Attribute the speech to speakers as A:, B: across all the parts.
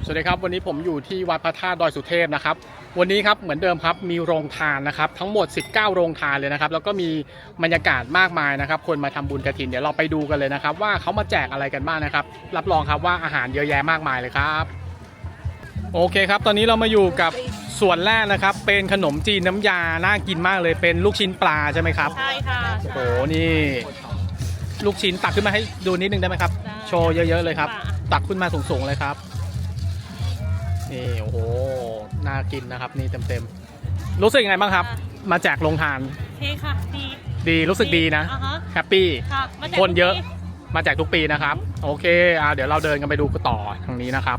A: สวัสดีครับวันนี้ผมอยู่ที่วัดพระธาตุดอยสุเทพนะครับวันนี้ครับเหมือนเดิมครับมีโรงทานนะครับทั้งหมด19โรงทานเลยนะครับแล้วก็มีบรรยากาศมากมายนะครับคนมาทำบุญกฐินเดี๋ยวเราไปดูกันเลยนะครับว่าเขามาแจกอะไรกันบ้างนะครับรับรองครับว่าอาหารเยอะแยะมากมายเลยครับโอเคครับตอนนี้เรามาอยู่กับส่วนแรกนะครับเป็นขนมจีนน้ำยาน่ากินมากเลยเป็นลูกชิ้นปลาใช่ไหมครับ
B: ใช่ค่ะ
A: โอ้โหนี่ลูกชิ้นตักขึ้นมาให้ดูนิดนึงได้ไหมครับโชว์เยอะๆเลยครับตักขึ้นมาสูงๆเลยครับนี่โอ้โหน่ากินนะครับนี่เต็มๆรู้สึกยังไงบ้างครับมาแจกโรงทาน
B: เท่ค่ะ
A: ดีรู้สึกดีนะแฮปปี้คนเยอะมาแจกทุกปีนะครับโอเคเดี๋ยวเราเดินกันไปดูต่อทางนี้นะครับ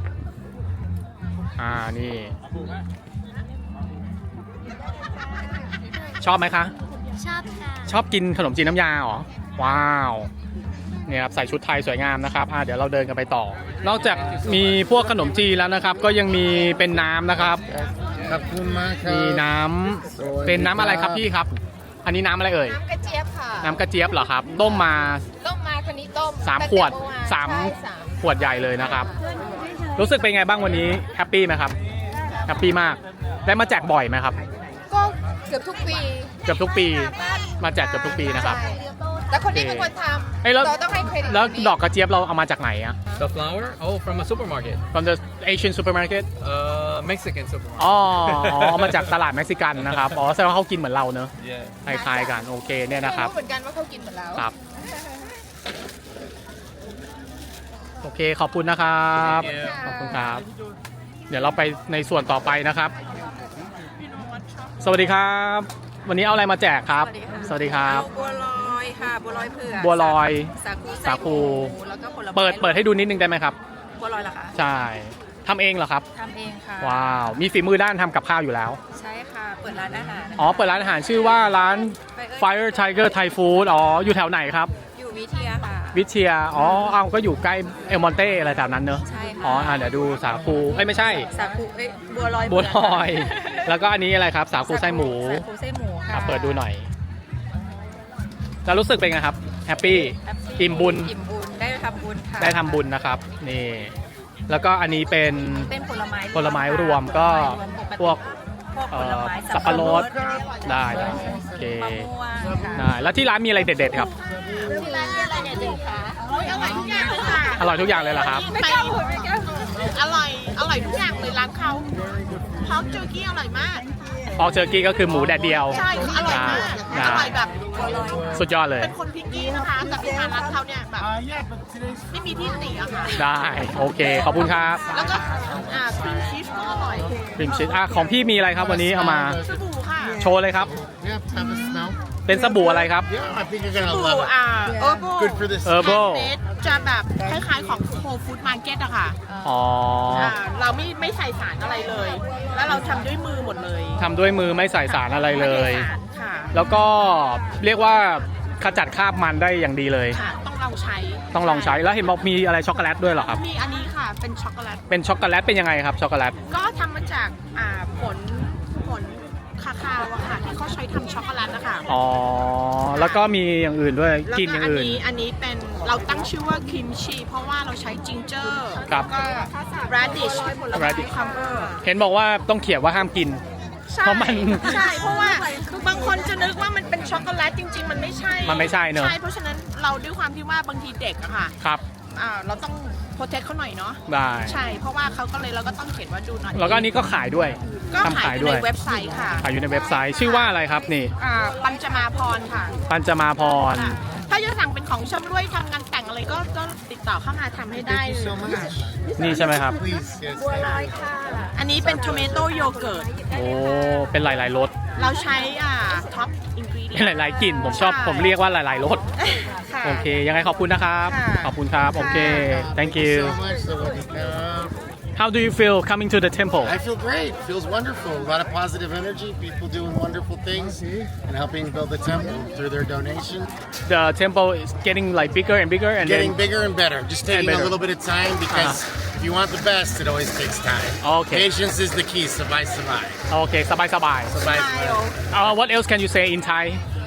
A: นี่ชอบไหมคะ
C: ชอบค่ะ
A: ชอบกินขนมจีนน้ำยาเหรอว้าวเนี่ยครับใส่ชุดไทยสวยงามนะครับเดี๋ยวเราเดินกันไปต่อนอกจากมีพวกขนมจีนแล้วนะครับก็ยังมีเป็นน้ำนะครับ
D: ขอบคุณมากครับ
A: มีน้ำเป็นน้ำอะไรครับพี่ครับอันนี้น้ำอะไรเอ่ย
C: น้ำกระเจี๊ยบค่ะ
A: น้ำกระเจี๊ยบเหรอครับต้มมา
C: คนนี้ต้ม
A: 3 ขวด3 ขวดใหญ่เลยนะครับรู้สึกเป็นไงบ้างวันนี้แฮปปี้ไหมครับแฮปปี้มากได้มาแจกบ่อยไหมครับ
C: ก็เกือบทุกปี
A: มาแจกเกือบทุกปีนะครับ
C: แต่คนนี้เป็นคนทำเราต้องให้เครดิต
A: แล้วดอกกระเจี๊ยบเราเอามาจากไหนอะ
E: The flower? Oh, from a supermarket.
A: From the Asian supermarket?
E: Mexican supermarket.
A: อ๋อมาจากตลาดเม็กซิกันนะครับแสดงว่าเขากินเหมือนเราเนอะคล้ายๆกันโอเคเนี่ยนะครับ
C: รู้เหมือนกันว่าเขากินเหมือนเรา
A: ครับโอเคขอบคุณนะครับขอบคุณครับเดี๋ยวเราไปในส่วนต่อไปนะครับสวัสดีครับวันนี้เอาอะไรมาแจกครับสวัสดีครับ
B: บัวลอยค่ะบัวลอยเผือก
A: บัวลอย
B: สาคูแล้วก็ผลไม้
A: เปิดให้ดูนิดนึงได้ไหมครับ
B: บัวลอยเหรอคะ
A: ใช่ทำเองเหรอครับ
B: ทำเองค่ะ
A: ว้าวมีฝีมือด้านทำกับข้าวอยู่แล้ว
B: ใช่ค่ะเปิดร้านอาหาร
A: เปิดร้านอาหารชื่อว่าร้าน Fire Tiger Thai Food อยู่แถวไหนครับ
B: อยู่วิเทียค่ะ
A: วิเทียก็อยู่ใกล้เอลมอนเต้อะไรแถวนั้นเนอะ
B: ใช่ค่ะ
A: เดี๋ยวดูสาคูไม่ใช่
B: สาคูบัวลอย
A: แล้วก็อันนี้อะไรครับสาคูไส้หมู
B: ค่ะ
A: เปิดดูหน่อยจะรู้สึกเป็นไงครับแฮปปี้อิ่มบุญ
B: ได้ทำบุญค่ะ
A: ได้ทำบุญนะครับนี่แล้วก็อันนี้เป็นผลไม้รวมก็พวกสับปะรดได้โอเคได้แล้วที่ร้านมีอะไรเด็ดๆครับ
C: ที่ร้านมีอะไรเด็ดๆคะอร่อยทุกอย่างเลยค่ะ
A: อร่อยทุกอย่างเลยเหรอครับ
C: ไม่กล้าพูดอร่อยทุกอย่างเลยร้านเขาพร้อมเจอกี้อร่อยมาก
A: พอกเจอกี้ก็คือหมูแดดเดียว
C: ใช่อร่อยมากอร่อยแบบ
A: สุดยอดเลย
C: เป็นคนพิกกี้นะคะแต่อาหารร้านเขาเนี่ยแบบไม่มีที่ติอะค่ะ
A: ได้โอเคขอบคุณครับ
C: แล้วก็ครีมชีสก็อร่อย
A: ครีมชีสของพี่มีอะไรครับวันนี้เอามา
C: สบู่ค่ะ
A: โชว์เลยครับเป็นสบู่อะไรครับ
C: สบู่Herbal จะแบบคล้ายๆของ Whole Food Market อะค่ะเราไม่ใส่สารอะไรเลยแล้วเราทำด้วยมือหมดเลย
A: ทำด้วยมือไม่ใส่สารอะไรเลยแล้วก็เรียกว่าขจัดคราบมันได้อย่างดีเลย
C: ต้องลองใช้
A: แล้วเห็นบอกมีอะไรช็อกโกแลตด้วยเหรอครับ
C: มีอันนี้ค่ะเป็นช็อกโกแลต
A: เป็นยังไงครับช็อกโกแลต
C: ก็ทำมาจากผลคาคาวอะค่ะที่เขาใช้ทำช็อกโกแลตนะคะ
A: แล้วก็มีอย่างอื่นด้วยกินอย่างอื่น
C: อันนี้เป็นเราตั้งชื่อว่าคิมชีเพราะว่าเราใช้จิงเจอร์
A: แล้ว
C: ก็ radish คัมเบอร์
A: เห็นบอกว่าต้องเขียนว่าห้ามกินเพราะมัน
C: ใช่เพราะว่าบางคนจะนึกว่ามันเป็นช็อกโกแลตจริงๆมันไม่ใช่
A: เนอะ
C: ใช่เพราะฉะนั้นเราด้วยความที่ว่าบางทีเด็กอะค่ะ
A: ครับ
C: เราต้องโปรเทคเขาหน่อยเนาะ
A: ได้
C: ใช่เพราะว่าเขาก็เลยเราก็ต้องเขียนว่าดูหน่อย
A: แล้วก็อันนี้ก็ขายด้วย
C: ก็ขายอยู่ในเว็บไซต์ค่ะ
A: ขายอยู่ในเว็บไซต์ชื่อว่าอะไรครับนี่
C: ปัญจมาพรค่ะ
A: ปัญจมาพร
C: ถ้าจะสั่งเป็นของชำร่วยทำงานแต่งอะไรก็ติดต่อเข้ามาทำให้ได้
A: นี่ใช่ไหมครับ
C: บัวลอยค่ะอันนี้เป็น tomato yogurt
A: เป็นหลายๆรส
C: เราใช้ท็อปอินกรีเดียน
A: เป็นหลายๆกลิ่นผมเรียกว่าหลายๆรสโอเคยังไงขอบคุณนะครับขอบคุณครับโอเค thank you How do you feel coming to the temple?
D: I feel great. It feels wonderful. A lot of positive energy. People doing wonderful things and helping build the temple through their donation.
A: The temple is getting like bigger and bigger and
D: getting bigger and better. Just taking a little bit of time because if you want the best, it always takes time.
A: Okay.
D: Patience is the key. Sabai.
A: Okay, sabai. What else can you say in Thai?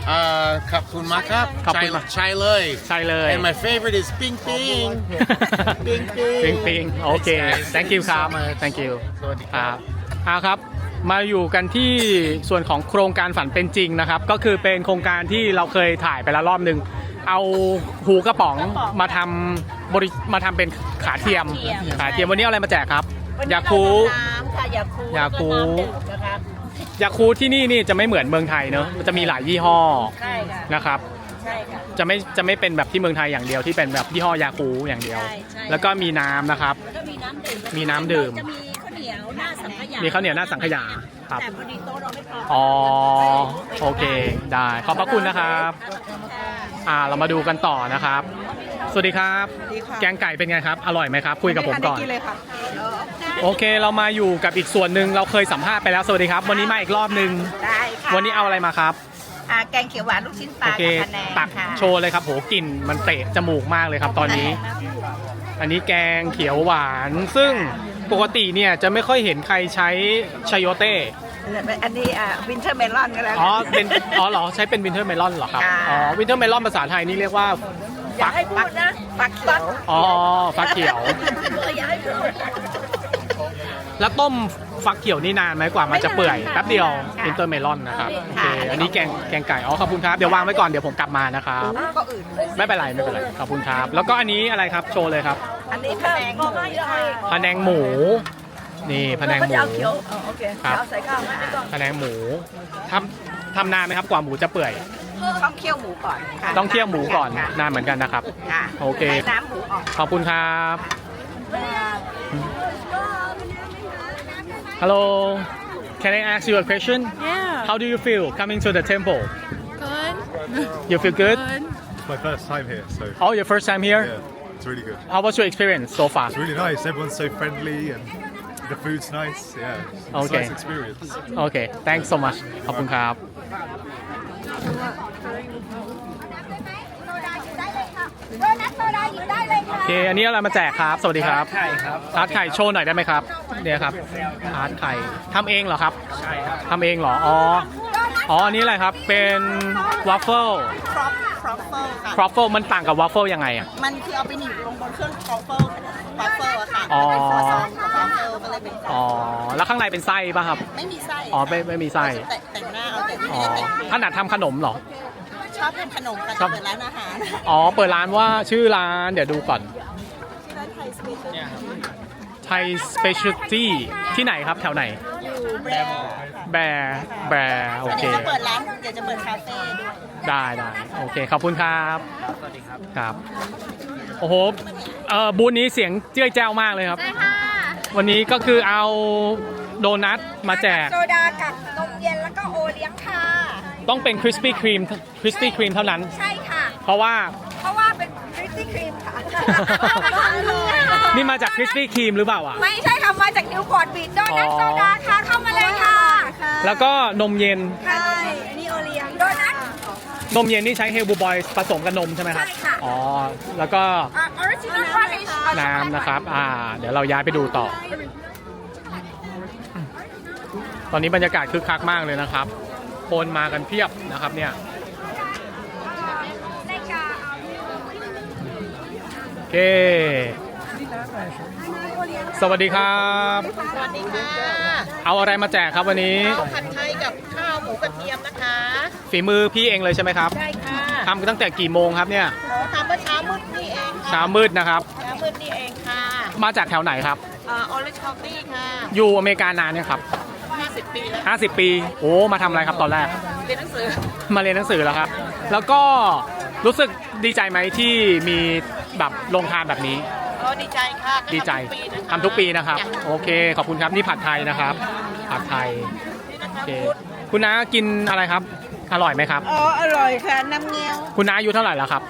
D: Kapun Makap.
A: Kapun Ma-
D: Chai Loy.
A: ใช่เลย
D: And my favorite is Ping Ping. Ping
A: ปิง
D: Ping.
A: ปิงโอเค thank you ครับ thank you
D: สวัสดี
A: ค
D: ครั
A: รับบ ครับมาอยู่กันที่ส่วนของโครงการฝันเป็นจริงนะครับ ก็คือเป็นโครงการที่เราเคยถ่ายไปแล้วรอบหนึ่งเอาหูกระป๋องมาทำมาทำเป็นขาเทียมวันนี้เอาอะไรมาแจกครับยาคู
C: น้ำค่ะยาคู
A: ยาคู
C: แล้วก็น้ำดื่มนะคะ
A: ยาคูที่นี่จะไม่เหมือนเมืองไทยเนอะมันจะมีหลายยี่ห้อ
C: ใช่ค่ะ
A: นะครับ
C: ใช่ค่ะ
A: จะไม่เป็นแบบที่เมืองไทยอย่างเดียวที่เป็นแบบยี่ห้อยาคูอย่างเดียว
C: ใช่
A: แล้วก็มีน้ำนะครับ
C: แล้วก็มีน้ำดื่ม
A: มีน้ำดื่ม
C: จะมีข้าวเหนียวหน้าสังขยา
A: มีข้าวเหนียวหน้าสังขยาครับ
C: แต่พอดีโต๊ะเราไม่พอ
A: อ๋อโอเคได้ขอบพระคุณนะครับเรามาดูกันต่อนะครับ สวัสดีครับ แกงไก่เป็นไงครับ อร่อยไหมครับ คุยกับผมก่อน โอเคเรามาอยู่กับอีกส่วนหนึ่งเราเคยสัมภาษณ์ไปแล้วสวัสดีครับ วันนี้มาอีกรอบหนึ่ง
C: ได้ค่ะ
A: วันนี้เอาอะไรมาครับ
C: แกงเขียวหวานลูกชิ้นป
A: โอ
C: ลา
A: เค
C: กับคะแนน
A: ตัก
C: ค่ะ
A: โชว์เลยครับโหกลิ่นมันเตะจมูกมากเลยครับตอนนี้ อันนี้แกงเขียวหวาน ซึ่งปกติเนี่ยจะไม่ค่อยเห็นใครใช้ชายโยเต้
C: อันนี้วินเทอร์เมลอนก็แล้ว
A: อ๋อเป็นเหรอใช้เป็นวินเทอร์เมลอนเหรอครับ
C: ค่ะ
A: อ๋อวินเทอร์เมลอนภาษาไทยนี่เรียกว่า
C: อย่าให้พูดนะฟักเขียว
A: อ๋อฟักเขียว
C: อย่าให้พูด
A: แล้วต้มฟักเขียวนี่นานไหมกว่ามันจะเปื่อย
C: ไม่นานค่ะ
A: แป๊บเดียว
C: ค่ะ
A: วินเทอร์เมลอนนะครับโอเค
C: ค่ะ
A: อันนี้แกงไก่อ๋อขอบคุณครับเดี๋ยววางไว้ก่อนเดี๋ยวผมกลับมานะครับ
C: ก็อื่นเลย
A: ไม่เป็นไรขอบคุณครับ แล้วก็อันนี้อะไรครับโชว์เลยครับ
C: อันนี้แพงก็ไม่ได้
A: พะแนงหมูนี่พะแนงหมู
C: เอาเขียวโอเค
A: ครับ
C: เอาใส่ข้าวไม่ต้อง
A: พะแนงหมูทำนานไหมครับกว่าหมูจะเปื่อย
C: ต้องเคี่ยวหมูก่อนค่ะ
A: ต้องเคี่ยวหมูก่อน
C: ค่ะ
A: นานเหมือนกันนะครับ
C: ค่ะ
A: โอเค
C: ให้น้ำหมูออก
A: ขอบคุณครับ Hello can I ask you a question
B: Yeah.
A: How do you feel coming to the temple
B: Good.
A: You feel good
F: It's my first time here, so
A: Oh your first time here
F: yeah, it's really good.
A: How was your experience so far
F: It's really nice. Everyone's so friendly and the food's nice. Yeah, it's
A: Okay.
F: a nice experience.
A: Okay thanks so much ขอบคุณครับโอเคอันนี้อะไรมาแจกครับ สวัสดีครับไข่ครับทาร์ตไข่โชว์หน่อยได้ไหมครับเนี่ยครับทาร์ตไข่ทำเองเหรอครับใช่ครับทำเองเหรออ๋ออันนี้อะไรครับเป็นวาฟเฟิล
C: ครอปเฟิลค่ะ
A: ครอฟเฟิลมันต่างกับวาฟเฟิลยังไงอ่ะ
C: มันคือเอาไปหนีบลงบนเครื่องครอปเฟิลอะค่ะ
A: อ๋อ
C: เป็นครัวซองกับครอปเฟิลมันเลยเป็น
A: อ๋อแล้วข้างในเป็นไส้ป่ะครับ
C: ไม่มีไส้
A: อ๋อไม่มีไส้
C: แต่งหน้าเอาแต่ไม่
A: อ๋อ
C: ได้แต่ง
A: ถนัดทำขนมเหรอ
C: ชอบทำขนมกัน
A: ชอบ
C: เปิดร้านอาหาร
A: อ๋อเปิดร้านว่าชื่อร้านเดี๋ยวดูก่อน
C: ร้านไทยสเปเชียล
A: ไทยสเปเชียลตี้ที่ไหนครับแถวไหน
C: อยู่แบรนด์
A: แบร์โอเค
C: เดี๋ยวจะเปิดร้านเดี๋ยวจะเปิดคาเฟ่ด้วย
A: ได้โอเคขอบคุณครับสวัสดีครับโอ้โหบูธนี้เสียงเจ้ยแจ้วมากเลยครับวันนี้ก็คือเอาโดนัทมาแจก
B: โซดากับนมเย็นแล้วก็โอเลี้ยงค่ะ
A: ต้องเป็นคริสปี้ครีมเท่านั้น
B: ใช่ค่ะ
A: เพราะว่า
B: เพราะว่าเป็นคริสปี้ครีมค่ะ
A: นี่มาจากคริสปี้ครีมหรือเปล่าอ่ะ
B: ไม่ใช่ค่ะมาจากนิวพอร์ตบีชโดนัทโซดาค่ะเข้ามาเลยค่ะ
A: แล้วก็นมเย็น
B: ใช่นี่โอเลี้ยงโดนัท
A: นมเย็นนี่ใช้เฮลบูบอยผสมกับนมใช่ไหมครับ
B: ใช่ค่ะ
A: อ๋อแล้วก็
B: ออริจินอลพาริช
A: น้ำนะครับเดี๋ยวเราย้ายไปดูต่อ ตอนนี้บรรยากาศคึกคักมากเลยนะครับคนมากันเพียบนะครับเนี่ยโอเคสวัสดีครับ
C: สวัสดีค่ะ
A: เอาอะไรมาแจกครับวันนี้
C: ข้าวผัดไทยกับข้าวหมูกระเทียมนะคะ
A: ฝีมือพี่เองเลยใช่ไหมครับ
C: ได้ค่ะ
A: ทำตั้งแต่กี่โมงครับเนี่ย
C: ทำเมื่อเช้ามืดนี่เองค่ะ
A: เช้ามืดนะครับ
C: เช้ามืดนี่เองค่ะ
A: มาจากแถวไหนครับ
C: ออริจินอลตี้ค่ะ
A: อยู่อเมริกานานเนี่ยครับ
C: 50 ปีแล้ว
A: 50 ปีโอ้มาทำอะไรครับตอนแรก
C: เรียนหนังสือ
A: มาเรียนหนังสือแล้วครับ แล้วก็รู้สึกดีใจไหมที่มีแบบโรงทานแบบนี้
C: ดีใจค่ะ
A: ดีใจทำทุกปีนะครับ โอเค ขอบคุณครับนี่ผัดไทยนะครับ ผัดไทยโอเคคุณน้ากินอะไรครับ อร่อยไหมครับ
C: อ๋ออร่อยค่ะน้ำเงี้ยว
A: คุณน้าอายุเท่าไหร่แล้วครับ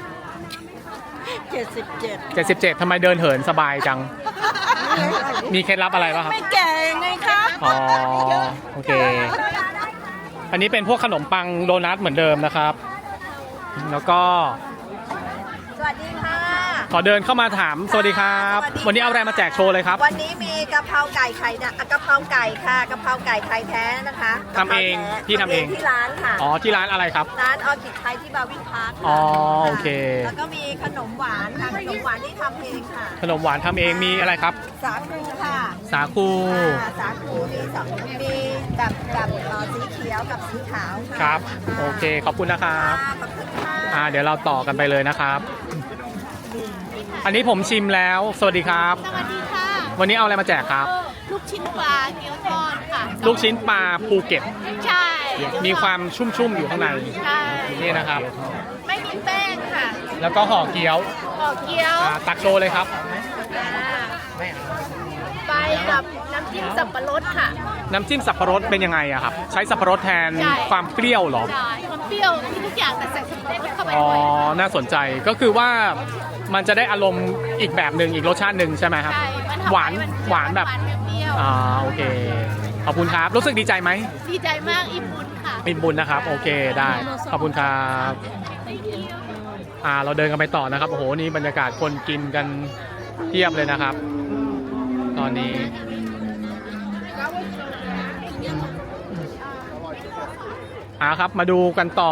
C: 77
A: 77ทำไมเดินเหินสบายจัง มีเคล็ดลับอะไรป่ะครับ
C: ไม่แก่ไงคะ
A: อ๋อโอเค อันนี้เป็นพวกขนมปังโดนัทเหมือนเดิมนะครับ แล้วก็
B: สวัสดีค่ะ
A: ขขอเดินเข้ามาถามสวัสดีครับ วันนี้เอาอะไรมาแจกโชว์เลยครับ
B: วันนี้มีกะเพราไก่ไข่กะเพราไก่ค่ะกะเพราไก่ไข่แท้นะคะ
A: ทำเองพี่ทำเอง
B: ที่ร้านค่ะ
A: อ๋อที่ร้านอะไรครับ
B: ร้านออคิดไทยที่บาวินพาร์ค
A: อ๋อโอเค
B: แล้วก็มีขนมหวานค่ะขนมหวานที่ทำเองค่ะ
A: ขนมหวานทำเองมีอะไรครับ
B: สาคูค่ะ
A: สาคู
B: สาคูมีสองมีแบบสีเขียวกับสีขาวะ
A: ครับโอเคขอบคุณนะครับ
B: ขอบคุณค่ะ
A: เดี๋ยวเราต่อกันไปเลยนะครับ อันนี้ผมชิมแล้ว สวัสดีครับ
C: สวัสดีค่ะ
A: วันนี้เอาอะไรมาแจกครับ
C: ลูกชิ้นปลาเกี๊ยวทอดค่ะ
A: ลูกชิ้นปลาภูเก็ต
C: ใช่
A: มีความชุ่มๆอยู่ข้างใน
C: ใช่
A: นี่นะครับ
C: ไม่มีแป้งค่ะ
A: แล้วก็ห่อเกี๊ยว
C: ห่อเกี๊ยว
A: ตักโชว์เลยครับ
C: ไปกับน้ำจิ้มสับปะรดค่ะ
A: น้ำจิ้มสับปะรดเป็นยังไงอะครับ ใช้สับปะรดแทน
C: ใช่
A: ความเปรี้ยวเหรอ
C: ใช่ความเปรี้ยวมีทุกอย่างแต่ใส่สับปะรดเข้าไป
A: อ๋อ
C: ด้วย
A: น่าสนใจก็คือว่ามันจะได้อารมณ์อีกแบบหนึ่งอีกรสชาติหนึ่งใช่ไหมครับ
C: ใช่มันทำ
A: หวาน
C: ให้มั
A: หวานแบบ
C: เปรี้ยว
A: โอเคขอบคุณครับรู้สึกดีใจไหม
C: ดีใจมากอิ่มบุญค่ะ
A: อิ่มบุญนะครับโอเคได้ขอบคุณครับเราเดินกันไปต่อนะครับโอ้โหนี่บรรยากาศคนกินกันเทียบเลยนะครับ ตอนนี้ครับมาดูกันต่อ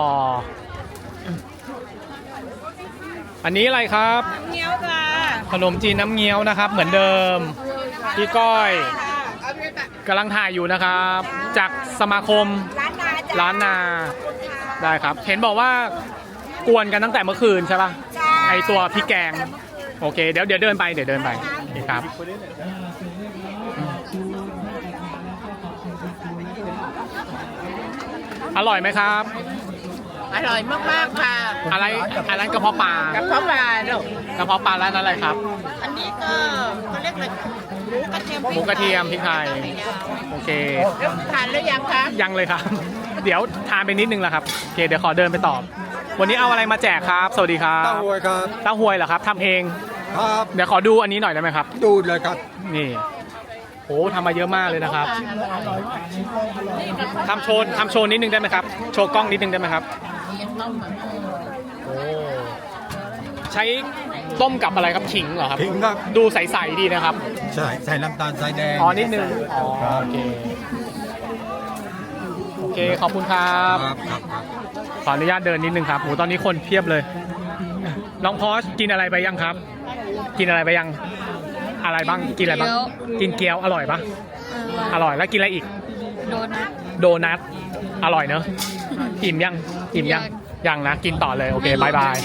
A: อันนี้อะไรครับ
B: เงี้ยวค่ะ
A: ขนมจีนน้ำเงี้ยวนะครับ เหมือนเดิมพี่ก้อยกำลังถ่ายอยู่นะครับ จากสมาคม
B: ร้านนา
A: ได้ครับ เห็นบอกว่ากวนกันตั้งแต่เมื่อคืนใช่ปะไอตัวพริกแกงโอเคเดี๋ยวเดินไปโอเคครับ อร่อยไหมครับ
C: อร่อยมากๆค่ะ
A: อะไรกระเพาะปลาก
C: ระเพาะปลาลูก
A: กระเพาะปลาร้านอะไรครับ
C: อันนี้ก็เขาเรียกอะไรหมูกระเทียม
A: พริกไทยโอเค
C: ทานหรือยังคะ
A: ยังเลยครับ เดี๋ยวทานไปนิดนึงแล้วครับโอเคเดี๋ยวขอเดินไปตอบ วันนี้เอาอะไรมาแจกครับ สวัสดีครับ
F: เต้าหวยครับ
A: เต้าหวยเหรอครับทำเอง
F: ครับ
A: เดี๋ยวขอดูอันนี้หน่อยได้ไหมครับ
F: ดูเลยครับ
A: นี่โอ้ทำมาเยอะมากเลยนะครับทำโชว์นิดนึงได้ไหมครับโชว์กล้องนิดนึงได้ไหมครับโอ้ใช้ต้มกับอะไรครับขิงเหรอครับ
F: ขิงครับ
A: ดูใสๆดีนะครับ
F: ใช่ใส่น้ำตาลสายแดง
A: นิดนึงโอเคโอเคขอบคุณครับ
F: ครับ
A: ขออนุญาตเดินนิดนึงครับโหตอนนี้คนเพียบเลยน้องพอสกินอะไรไปยังครับ กินอะไรไปยังอะไรบ้างกินอะไรบ้างกินเกี๊ยวอร่อยปะอร่อยแล้วกินอะไรอีกโดนัทอร่อยเนอะอิ่มยังนะกินต่อเลยโอเคบายบาย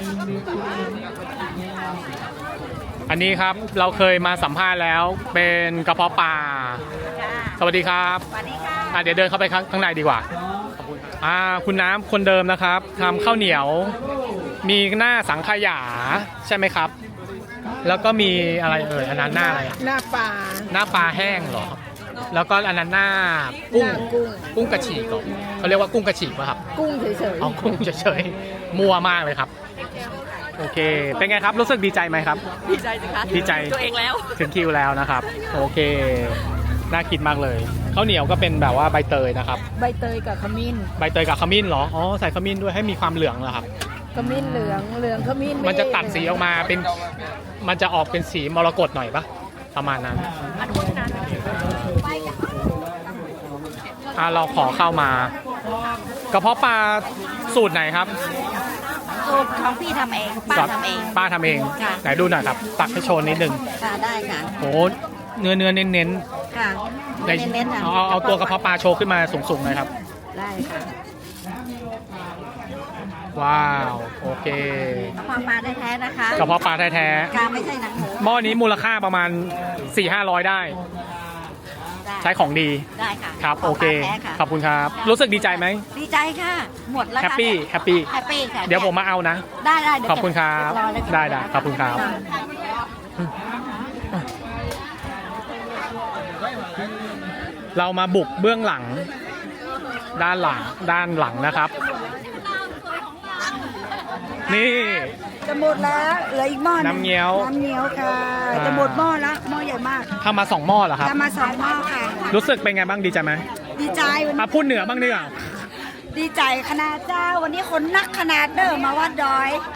A: อันนี้ครับเราเคยมาสัมภาษณ์แล้วเป็นกระเพาะปลาสวัสดีครับ
B: สวัสดีค่ะ
A: เดี๋ยวเดินเข้าไปข้างในดีกว่าคุณน้ำคนเดิมนะครับทำข้าวเหนียวมีหน้าสังขยาใช่ไหมครับ แล้วก็มีอะไรอันนั้นหน้าอะไร
C: หน้าปลา
A: หน้าปลาแห้งเหรอแล้วก็อันนั้นหน้ากุ้งกระฉีกเหรอเขาเรียกว่ากุ้งกระฉีกป่ะครับ
C: กุ้งเฉย
A: อ๋อกุ้งเฉยๆมัวมากเลยครับโอเคเป็นไงครับรู้สึกดีใจไหมครับ
C: ๆดีใจสิคะ
A: ดีใจ
C: ตัวเองแล้ว
A: ถึงคิวแล้วนะครับโอเคน่ากินมากเลยข้าวเหนียวก็เป็นแบบว่าใบเตยนะครับ
C: ใบเตยกับขมิ้น
A: ใบเตยกับขมิ้นเหรออ๋อใส่ขมิ้นด้วยให้มีความเหลืองเหรอครับ
C: ขมิ้นเหลืองขมิ้น
A: มันจะตัดสีออกมาเป็นมันจะออกเป็นสีมรกตหน่อยปะประมาณนั้นเราขอเข้ามากระเพาะปลาสูตรไหนครับ
B: สูตรของพี่ทำเองป้าทำเอง
A: ป้าทำเอง
B: ค่ะ
A: ไหนดูหน่อยครับตักให้โชว์นิดนึง
B: ค่ะได้ค่ะ
A: โหเนื้อเน้น
B: ค่ะ
A: ๆ
B: เน้นๆค่ะ
A: เอาตัวกระเพาะปลาโชว์ขึ้นมาสูงๆหน่อยครับ
B: ได้ค่ะ
A: ว้าวโอเค
B: กระเพาะปลาแท้ๆนะคะ
A: กระเพาะปลาแท้
B: ค่ะไม่ใช่หนังหมู
A: ๆหม้อนี้มูลค่าประมาณ 4-500 ได้
B: ได้
A: ใช้ของดี
B: ได้ค่ะ
A: ครับโอเค
B: ปลาแท้ค่ะ
A: ขอบคุณครับรู้สึกดีใจไหม
B: ดีใจค่ะ หมดแล้ว
A: แฮป
B: ค่ะ
A: ปี้
B: เนี่ย
A: แฮปปี้
B: แฮปปี้ค่ะ
A: เดี๋ยวผมมาเอานะ
B: ได้
A: ขอบคุณครับ
B: รอเลยค่ะ
A: ได้ขอบคุณครับ เรามาบุกเบื้องหลังด้านหลังนะครับ นี่
B: จะหมดแล้วเหลืออีกหม้อหง
A: น้ำเงี้ยว
B: น้ำเงี้ยวค่ะจะหมดหม้อแล้วหม้อใหญ่มาก
A: ทำมา2หม้อเหรอครับ
B: จะมา2หม้อค่ะ
A: รู้สึกเป็นไงบ้างดีใจไหม
B: ดีใจวันนี้
A: พูดเหนือบ้างดีกว่า
B: ดีใจขนาดเจ้าวันนี้คนนักขนาดเด้อมาวัดดอย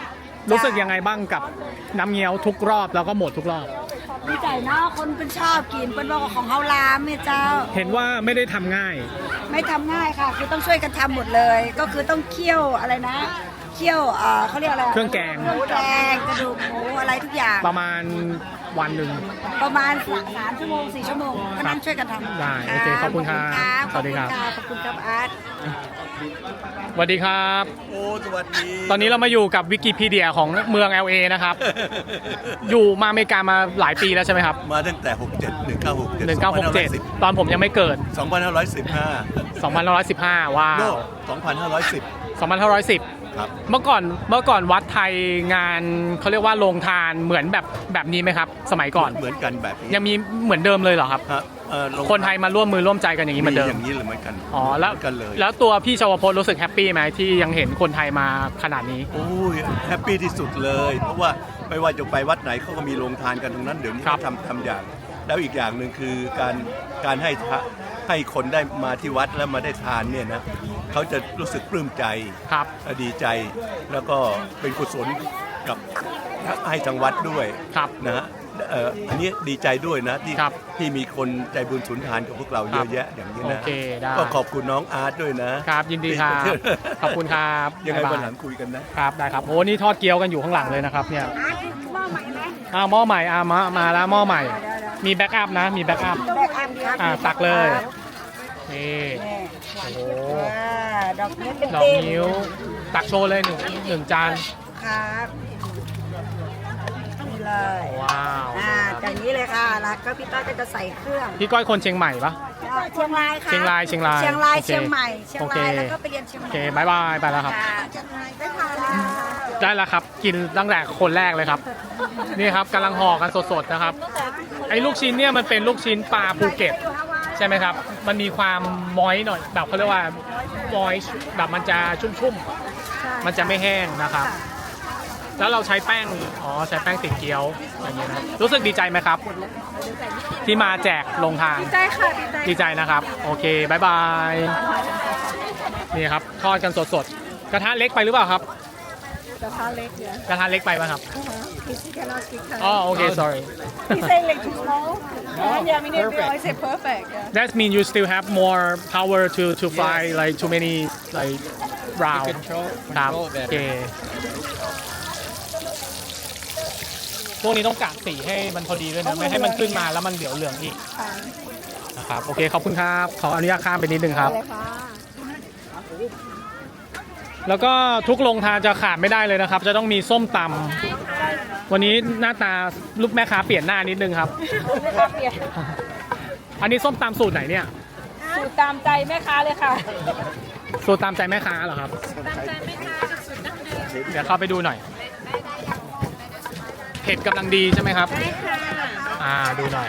A: รู้สึกยังไงบ้างกับน้ำเงี้ยวทุกรอบแล้วก็หมดทุกรอบ
B: ดีใจเนาะคนเป็นชอบกินเป็นบอกของเฮาลามเนี่ยเจ้า
A: เห็นว่าไม่ได้ทำง่าย
B: ไม่ทำง่ายค่ะ คือต้องช่วยกันทำหมดเลย ก็คือต้องเคี่ยวอะไรนะเคี่ยวเขาเรียกอะไร
A: เครื่องแกง
B: เครื่องแกงกระดูกหมูอะไรทุกอย่าง
A: ประมาณวันหนึ่ง
B: ประมาณ3 ชั่วโมง 4 ชั่วโมงก็นั่งช่วยกันทำ
A: ได้โอเคขอบคุณครับ
B: ขอบคุณ
A: สวัสดีครับ
B: ขอบคุณครับอาร์ต
A: สวัสดีครับ
G: โอ้สวัสดี
A: ตอนนี้เรามาอยู่กับวิกิพีเดียของเมือง LA นะครับ อยู่มาอเมริกามาหลายปีแล้วใช่ไหมครับ
G: มาตั้งแต่ 67
A: 1967 ตอนผมยังไม่เกิด
G: 2515
A: 2515 ว้า
G: โน่
A: ว
G: 2510
A: 2510
G: ครับ
A: เมื่อก่อนวัดไทยงานเขาเรียกว่าโรงทานเหมือนแบบนี้ไหมครับ สมัยก่อน
G: เหมือนกันแบบนี้
A: ยังมีเหมือนเดิมเลยเหรอครับ
G: ฮะโรง
A: คนไทยมาร่วมมือร่วมใจกันอย่างนี้เหมือนเดิม
G: อย่างนี้เลยเหมือนกัน
A: อ๋อแล้ว
G: เหมือนกันเลย
A: แล้วตัวพี่ชวพจน์รู้สึกแฮปปี้ไหมที่ยังเห็นคนไทยมาขนาดนี้
G: โอ้ยแฮปปี้ที่สุดเลย เพราะว่าไม่ว่าจะไปวัดไหนเขาก็มีโรงทานกันตรงนั้นเดี๋ยวนี้
A: ครับ
G: เขาทำอย่าง แล้วอีกอย่างหนึ่งคือการให้คนได้มาที่วัดแล้วมาได้ทานเนี่ยนะเขาจะรู้สึกปลื้มใจ
A: ครับ
G: ดีใจแล้วก็เป็นกุศลกับให้ทางวัดด้วย
A: ครับ
G: นะฮะอันนี้ดีใจด้วยนะ
A: ครับ
G: ที่มีคนใจบุญสุนทานกับพวกเราเยอะแยะอย่างนี้
A: โอ
G: นะ
A: เคได้
G: ก็ขอบคุณน้องอาร์ตด้วยนะครับ
A: ยินดีครับ ขอบคุณครับ
G: ยังไง
A: บ๊า
G: วัน
A: บา
G: หลังคุยกันนะครับ
A: ได้ครับโอ้นี่ทอดเกี๊ยวกันอยู่ข้างหลังเลยนะครับเนี่ย
B: อาร์ตหม้อใหม่ไหม
A: หม้อใหม่มาแล้วหม้อใหม่ มีแบ็กอัพนะมีแบ็กอัพ
B: แบกอันเดียว
A: ตักเลยนี่
B: นี่
A: โอ้โห
B: ดอกนิ้วเป็น
A: ดอก
B: ติ้
A: นิ้วตักโชว์เลยหนึ่งจาน
B: ครับนี่เลย
A: ว้าว
B: อย่างนี้เลยค่ะแล้วก็พี่ต้อยก็จะใส่เครื่อง
A: พี่ก้อยคนเชียงใหม่ปะ
B: เชียงรายค่ะ
A: เชียงราย
B: เชียงราย
A: โอเค
B: เชียงใหม่เชียง
A: โอเค
B: รายแล้วก็ไปเรียนเชียงให
A: โอ
B: ม่
A: เคบายบายไปแล้วครับ
B: ค่ะได้ทานแล้ว
A: ได้แล้วครับ กินตั้งแต่คนแรกเลยครับ นี่ครับกำลังห่อกันสดๆนะครับ ไอ้ลูกชิ้นเนี่ยมันเป็นลูกชิ้นปลาภูเก็ตใช่ไหมครับ มันมีความมอยหน่อยแบบเขาเรียกว่ามอยแบบมันจะชุ่มๆ มันจะไม่แห้งนะครับ แล้วเราใช้แป้งใช้แป้งติดเกี๊ยวอย่างเงี้ยนะรู้สึกดีใจไหมครับ ที่มาแจกลงทาน
B: ดีใจค่ะดีใจ
A: ดีใจนะครับ โอเคบายบายนี่ครับทอดกันสดๆ กระทะเล็กไปหรือเปล่าครับ
B: กระทะเล็กเนี่ย
A: กระทะเล็กไปป่ะครับ
B: He cannot speak Thai.
A: อ๋อโอเค sorry
B: He say like too small. Yeah, I mean, I say perfect. Yeah.
A: that mean you still have more power to fry like too many like round ครับโอเคพวกนี้ต้องกะสีให้มันพอดีด้วยนะไม่ให้มันขึ้นมาแล้วมันเดี๋ยวเหลืองอีกนะครับโอเคขอบคุณครับขออนุญาตข้ามไปนิดนึงครับ แล้วก็ทุกโรงทานจะขาดไม่ได้เลยนะครับ จะต้องมีส้มตำวันนี้หน้าตาลูกแม่ค้าเปลี่ยนหน้านิดนึงครับ อันนี้ส้มตำสูตรไหนเนี่ย
B: สูตรตามใจแม่ค้าเลยค่ะ
A: สูตรตามใจแม่ค้าเหรอครับ
B: ตามใจแม่ค้ากับสูตรดั้งเดิม
A: เดี๋ยวเข้าไปดูหน่อยเผ็ดกำลังดีใช่ไหมครับ
B: ใช่ค่ะ
A: ดูหน่อย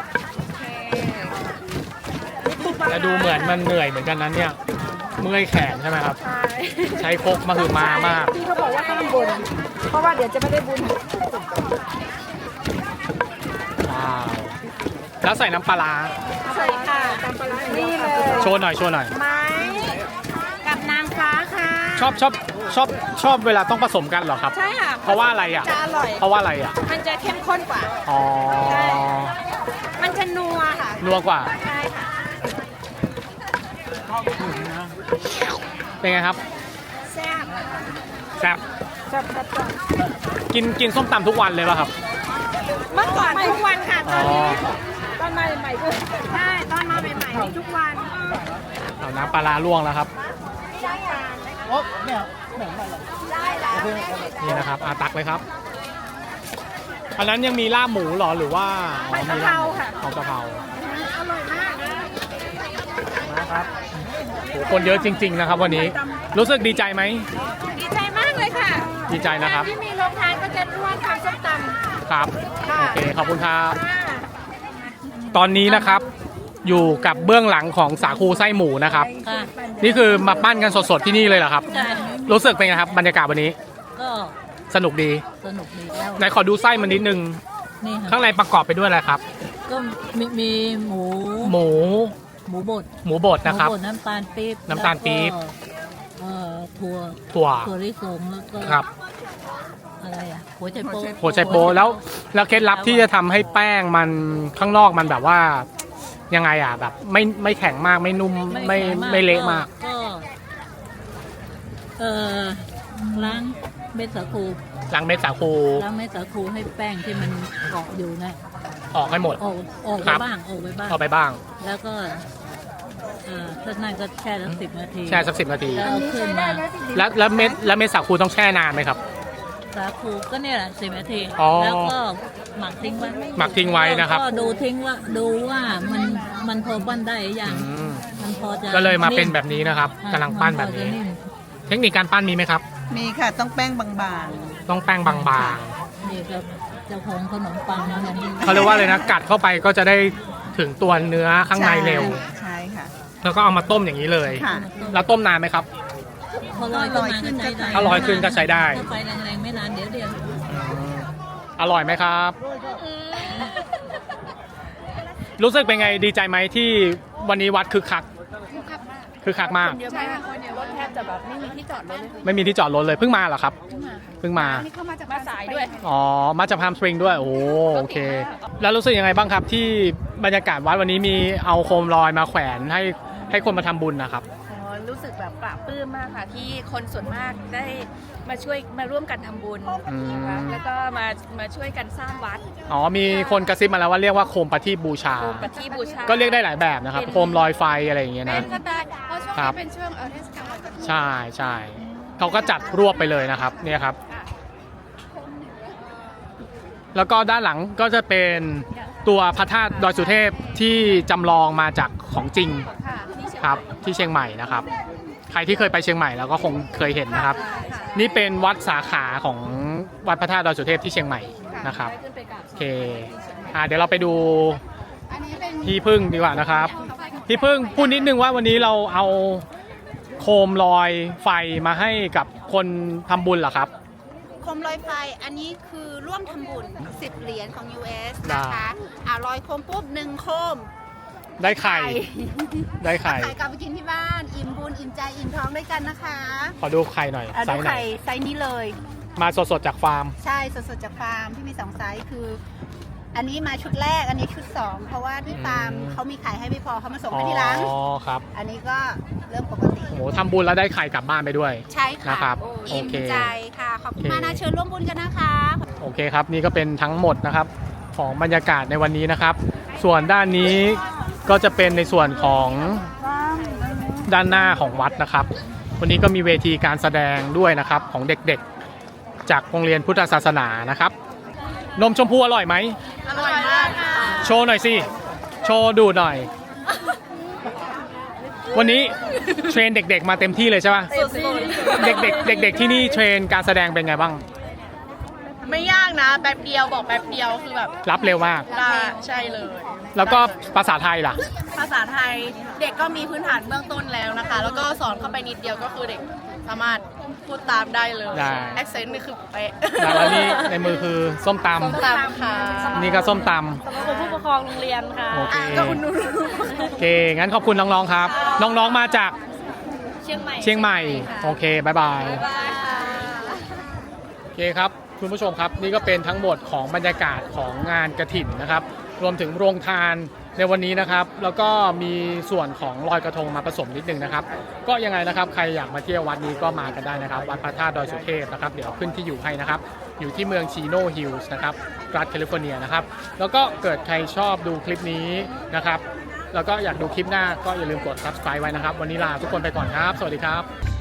A: แต่ดูเหมือนมันเหนื่อยเหมือนกันนั้นเนี่ยเมื่อยแขนใช่ไหมครับ ใช้ครกมาคือมามาก
B: พี่เขาบอกว่าห้ามบ่นเพราะว่าเดี๋ยวจะไม่ได้บุญ
A: ว้าวแล้วใส่น้ำปลาร้า
B: ใส่ค่ะตามปลาร้านี่เลย
A: โชว์หน่อยโชว์หน่อย
B: ไม้กับนางฟ้าค่ะ
A: ชอบเวลาต้องผสมกันเหรอครับ
B: ใช่ค่ะ
A: เพราะว่าอะไรอ่ะ
B: จะอร่อย
A: เพราะว่าอะไรอ่ะ
B: มันจะเข้มข้นกว่า
A: อ๋อ
B: ใช่ มันจะนัวค่ะ
A: นัวกว่า
B: ใช่ค่ะ
A: เป็นไงครับ
B: แซ่บ
A: แซ่บ
B: แซ่บแซ่บ
A: กินส้มตำทุกวันเลยป่ะครับ
B: เมื่อก่อนทุกวันค่ะ ตอนนี้
A: อ๋อ
B: ตอนมาใหม่ๆก็ใช่ตอนมาใหม่ๆนี่ทุกวัน
A: เอาน้ำปลาร้าล่วงแล้วครับ
B: ได้แล้ว
A: นี่นะครับตักเลยครับ อันนั้นยังมีลาบหมูเหรอหรือว่าอ๋อมีลาบหมูของกะเพรา
B: อร่อยมากนะ
A: นะครับโหคนเยอะจริง ๆ นะครับ วันนี้รู้สึกดีใจไหม
B: ดีใจมากเลยค่ะ
A: ดีใจนะครับ
B: ที่มีโรงทานก็จะร่วมทำส้มตำ
A: ครับ
B: ค่ะ
A: โอเคขอบคุณครับ
B: ค่ะ
A: ตอนนี้นะครับอยู่กับเบื้องหลังของสาคูไส้หมูนะครับ นี่คือมาปั้นกันสดๆที่นี่เลยเหรอครับ
H: ใช่
A: รู้สึกเป็นไงครับบรรยากาศวันนี้
H: ก็
A: สนุกดี
H: สนุกดีแล้ว
A: ไหนขอดูไส้มันนิดนึง
H: นี่
A: ข้างในประกอบไปด้วยอะไรครับ
H: ก็มีหมู
A: หมู
H: หมูบด
A: หมูบดนะครับ
H: หมูบดน้ำตาลปี๊บ
A: น้ำตาลปี๊บ
H: แล้วก็ถั่ว
A: ถั่ว
H: ถั่วลิสงแล้วก็
A: ครับ
H: อะไรอ่ะหัวใจโป๊
A: หัวไชโป๊แล้วเคล็ดลับที่จะทำให้แป้งมันข้างนอกมันแบบว่ายังไงอ่ะแบบไม่แข็งมากไม่นุ่มไม่เละมาก
H: ก็ล้างเม็ดสาคู
A: ล้างเม็ดสาคู
H: ล้างเม็ดสาคูให้แป้งที่มันเกาะอยู่นะ
A: ออกให้หมด
H: ออก
A: ครั
H: ไป
A: บ
H: บ้างออกไปบ้าง
A: เอาไปบ้าง
H: แล้วก็ถ้านั่นก็แช่สัก10 นาที
A: แช่สัก10 นาที
H: แล้วเอาขึ้นมา
A: แล้วเม็ดสาคูต้องแช่นานไหมครับ
H: สาคูก็เนี่ยแหละ10 นาที
A: อ๋อ
H: แล้วก็หมักทิ้งไว้
A: หมักทิ้งไว้นะครับ
H: ก็ดูว่ามันพอปั้นได้หรือยัง
A: อืม
H: มันพอจะ
A: ก็เลยมาเป็นแบบนี้นะครับกำลังปั้นแบบนี้ เทคนิคการปั้นมีไหมครับ
C: มีค่ะต้องแป้งบาง
A: ต้องแป้งบาง
H: นี่ครับเจ้าของขนมปังนะเนี่ย
A: ๆเขาเรียกว่าเลยนะกัดเข้าไปก็จะได้ถึงตัวเนื้อข้างในเร็ว
C: ใช่ค่ะ
A: แล้วก็เอามาต้มอย่างนี้เลย
C: ค่ะ
A: แล้วต้มนานไหมครับ
H: พอลอยขึ้นมาก็ใช้ได้
A: ถ้าลอยขึ้นก็ใช้ได้
H: ถ้าไฟแรงๆไม่นานเดี๋ยว
A: อร่อยไหมครับ รู้สึกเป็นไงดีใจไหมที่วันนี้วัดคึกคักมาก
C: ใช่ค่ะรถแทบจะแบบไม่มีที่จอดรถเลย
A: ไม่มีที่จอดรถเลยเพิ่งมาเหรอครับเพิ่งมา
C: นี่เข้ามาจากมาสายด้วย
A: อ๋อมาจากพามสปริงด้วยโอเค แล้วรู้สึกยังไงบ้างครับที่บรรยากาศวัดวันนี้มีเอาโคมลอยมาแขวนให้คนมาทำบุญนะครับ
I: รู้สึกแบบปลาบปลื้มมากค่ะที่คนส่วนมากได้มาร่วมกันทำบุญนะคะแล้วก็มาช่วยกันสร้างวัด
A: อ๋อมีคนกระซิบมาแล้วว่าเรียกว่าโคมประทีปบูชา
I: โคมปฏิบูชา
A: ก็เรียกได้หลายแบบนะครับโคมลอยไฟอะไรอย่างเงี้ย
I: เป็
A: นะ
I: นก็ได้เพราะช่วง
A: ครั
I: นี้
A: บ
I: เป็นช่วงเทศกาลลอยกระทง
A: ใช่เขาก็จัดรวบไปเลยนะครับเนี่ยครับ แล้วก็ด้านหลังก็จะเป็นตัวพระธาตุดอยสุเทพที่จำลองมาจากของจริง
I: ค่ะที่เชียง
A: ครับที่เชียงใหม่นะครับ ใครที่เคยไปเชียงใหม่แล้วก็คงเคยเห็นนะครับ นี่เป็นวัดสาขาของวัดพระธาตุดอยสุเทพที่เชียงใหม่นะครับ
I: ได้ขึ้นไปกราบ
A: โอเคเดี๋ยวเราไปดูพี่พึ่งดีกว่านะครับพี่พึ่งพูดนิดนึงว่าวันนี้เราเอาโคมลอยไฟมาให้กับคนทำบุญเหรอครับ
J: โคมลอยไฟอันนี้คือร่วมทำบุญ10 เหรียญของ US นะคะลอยโคมปุ๊บ1 โคม
A: ได้ไข่ได้ไข่
J: ไข่กลับไปกินที่บ้าน อิ่มบุญอิ่มใจอิ่มท้องด้วยกันนะคะ
A: ขอดูไข่หน่อยไซ
J: ดู
A: ส์ไหน
J: ไข่ไซส์นี้เลย
A: มาสดๆจากฟาร์ม
J: ใช่สดๆจากฟาร์มที่มี2 ไซส์คือ อันนี้มาชุดแรกอันนี้ชุด 2 เพราะว่าที่ฟาร์มเขามีไข่ให้ไม่พอเขามาส่งให้ที่ร้าน
A: อ๋อครับ
J: อันนี้ก็เริ่มปกติ
A: โหทำบุญแล้วได้ไข่กลับบ้านไปด้วย
J: ใช่ค่ะ
A: นะครับโอ
J: อิ่ม
A: เค
J: ใจค่ะขอบคุณมากนะเชิญร่วมบุญกันนะคะ
A: โอเคครับนี่ก็เป็นทั้งหมดนะครับของบรรยากาศในวันนี้นะครับ ส่วนด้านนี้ก็จะเป็นในส่วนของด้านหน้าของวัดนะครับ วันนี้ก็มีเวทีการแสดงด้วยนะครับของเด็กๆจากโรงเรียนพุทธศาสนานะครับนมชมพูอร่อยไหม
C: อร่อยมากค่ะ
A: โชว์หน่อยสิโชว์ดูหน่อย วันนี้เทรนเด็กๆมาเต็มที่เลยใช่ป่ะเด็กๆที่นี่เทรนการแสดงเป็นไงบ้าง
C: ไม่ยากนะแป๊บเดียวบอกแป๊บเดียวคือแบบ
A: รับเร็วมาก
C: ได้ใช่เลย
A: แล้วก็ภาษาไทยล่ะ
C: ภาษาไทยเด็กก็มีพื้นฐานเบื้องต้นแล้วนะคะ แล้วก็สอนเข้าไปนิดเดียวก็คือเด็กสามารถพูดตามได้เลย
A: ได้
C: แอคเซนต์นี่คือเป๊ะ
A: แล้วนี่ในมือคือส้มต
C: ตามค่ะ
A: ำนี่ก็ส้มต
I: ขอบคุณผู้ปกครองโรงเรียนค่ะ
A: ำโอเค
C: ก็อุ่นนุ่น
A: โอเคงั้นขอบคุณน้องๆครับ น้องๆมาจาก
I: เชียงใหม่
A: เชียงใหม่โอเคบายบายโอเคครับคุณผู้ชมครับนี่ก็เป็นทั้งหมดของบรรยากาศของงานกฐินนะครับ รวมถึงโรงทานในวันนี้นะครับ แล้วก็มีส่วนของลอยกระทงมาผสมนิดนึงนะครับ ก็ยังไงนะครับใครอยากมาเที่ยววัดนี้ก็มากันได้นะครับ วัดพระธาตุดอยสุเทพนะครับเดี๋ยวขึ้นที่อยู่ให้นะครับ อยู่ที่เมืองชิโนฮิลส์นะครับรัฐแคลิฟอร์เนียนะครับ แล้วก็เกิดใครชอบดูคลิปนี้นะครับ แล้วก็อยากดูคลิปหน้าก็อย่าลืมกด subscribe ไว้นะครับ วันนี้ลาทุกคนไปก่อนครับ สวัสดีครับ